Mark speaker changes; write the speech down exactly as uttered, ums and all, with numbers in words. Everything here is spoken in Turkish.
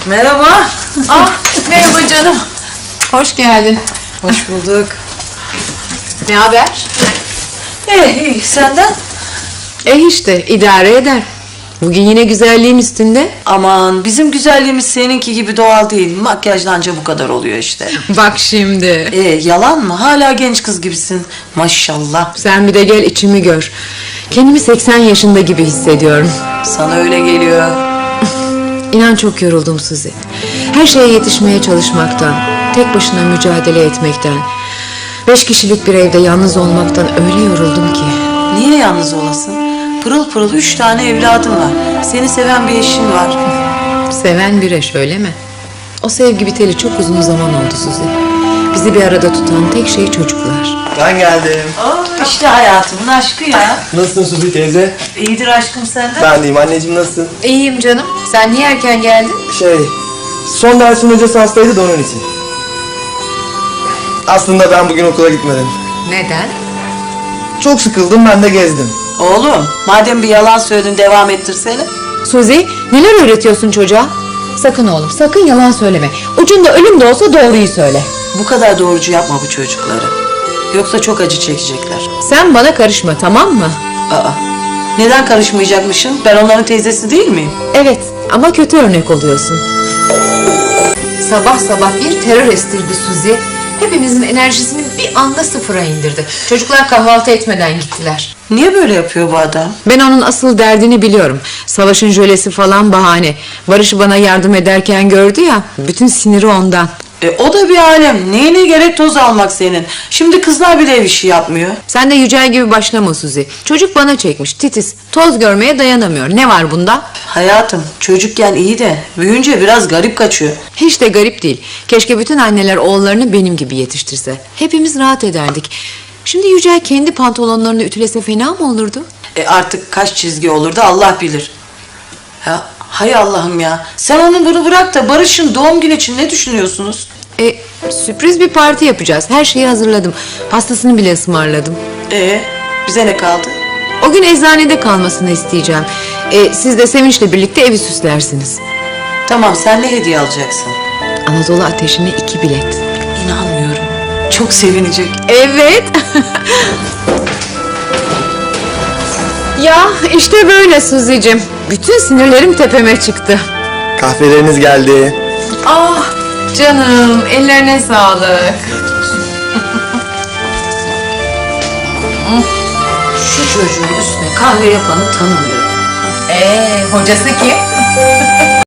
Speaker 1: Merhaba.
Speaker 2: Ah, merhaba canım. Hoş geldin.
Speaker 1: Hoş bulduk.
Speaker 2: Ne haber?
Speaker 1: İyi, iyi. Senden?
Speaker 2: E işte idare eder. Bugün yine güzelliğin üstünde.
Speaker 1: Aman bizim güzelliğimiz seninki gibi doğal değil. Makyajla anca bu kadar oluyor işte.
Speaker 2: Bak şimdi.
Speaker 1: Ee, yalan mı? Hala genç kız gibisin. Maşallah.
Speaker 2: Sen bir de gel içimi gör. Kendimi seksen yaşında gibi hissediyorum.
Speaker 1: Sana öyle geliyor.
Speaker 2: İnan çok yoruldum Suzi. Her şeye yetişmeye çalışmaktan, tek başına mücadele etmekten, beş kişilik bir evde yalnız olmaktan öyle yoruldum ki.
Speaker 1: Niye yalnız olasın? Pırıl pırıl üç tane evladın var. Seni seven bir eşin var.
Speaker 2: Seven bir eş öyle mi? O sevgi biteli çok uzun zaman oldu Suzi. Bizi bir arada tutan tek şey çocuklar.
Speaker 3: Ben geldim.
Speaker 1: Oh, işte hayatımın aşkı ya.
Speaker 3: Nasılsın Suzi teyze?
Speaker 1: İyidir aşkım senden.
Speaker 3: Ben deyim. Anneciğim nasılsın?
Speaker 2: İyiyim canım. Sen niye erken geldin?
Speaker 3: Şey, son dersin hocası hastaydı da onun için. Aslında ben bugün okula gitmedim.
Speaker 2: Neden?
Speaker 3: Çok sıkıldım, ben de gezdim.
Speaker 1: Oğlum madem bir yalan söyledin devam ettirsene.
Speaker 2: Suzi, neler öğretiyorsun çocuğa? Sakın oğlum, sakın yalan söyleme. Ucunda ölüm de olsa doğruyu söyle.
Speaker 1: Bu kadar doğrucu yapma bu çocukları. Yoksa çok acı çekecekler.
Speaker 2: Sen bana karışma, tamam mı?
Speaker 1: Aa, neden karışmayacakmışım? Ben onların teyzesi değil miyim?
Speaker 2: Evet, ama kötü örnek oluyorsun. Sabah sabah bir terör estirdi Suzi. Hepimizin enerjisini bir anda sıfıra indirdi. Çocuklar kahvaltı etmeden gittiler.
Speaker 1: Niye böyle yapıyor bu adam?
Speaker 2: Ben onun asıl derdini biliyorum. Savaşın jölesi falan bahane. Barış'ı bana yardım ederken gördü ya, bütün siniri ondan.
Speaker 1: E, o da bir alem. Neyine gerek toz almak senin? Şimdi kızlar bile ev işi yapmıyor.
Speaker 2: Sen de Yücel gibi başlama Suzi. Çocuk bana çekmiş, titiz. Toz görmeye dayanamıyor. Ne var bunda?
Speaker 1: Hayatım çocukken iyi de büyüyünce biraz garip kaçıyor.
Speaker 2: Hiç de garip değil. Keşke bütün anneler oğullarını benim gibi yetiştirse. Hepimiz rahat ederdik. Şimdi Yücel kendi pantolonlarını ütülese fena mı olurdu?
Speaker 1: E, artık kaç çizgi olurdu Allah bilir. Ya, hay Allah'ım ya. Sen onu bunu bırak da Barış'ın doğum günü için ne düşünüyorsunuz?
Speaker 2: E, sürpriz bir parti yapacağız. Her şeyi hazırladım. Pastasını bile ısmarladım.
Speaker 1: E bize ne kaldı?
Speaker 2: O gün eczanede kalmasını isteyeceğim. E, siz de Sevinç'le birlikte evi süslersiniz.
Speaker 1: Tamam sen ne hediye alacaksın?
Speaker 2: Anadolu Ateşi'ne iki bilet.
Speaker 1: İnanmıyorum. Çok sevinecek.
Speaker 2: Evet. Ya işte böyle Suzi'cim. Bütün sinirlerim tepeme çıktı.
Speaker 3: Kahveleriniz geldi.
Speaker 2: Ah canım, ellerine sağlık.
Speaker 1: Şu çocuğun üstüne kahve yapanı tanımıyorum.
Speaker 2: Ee, hocası kim?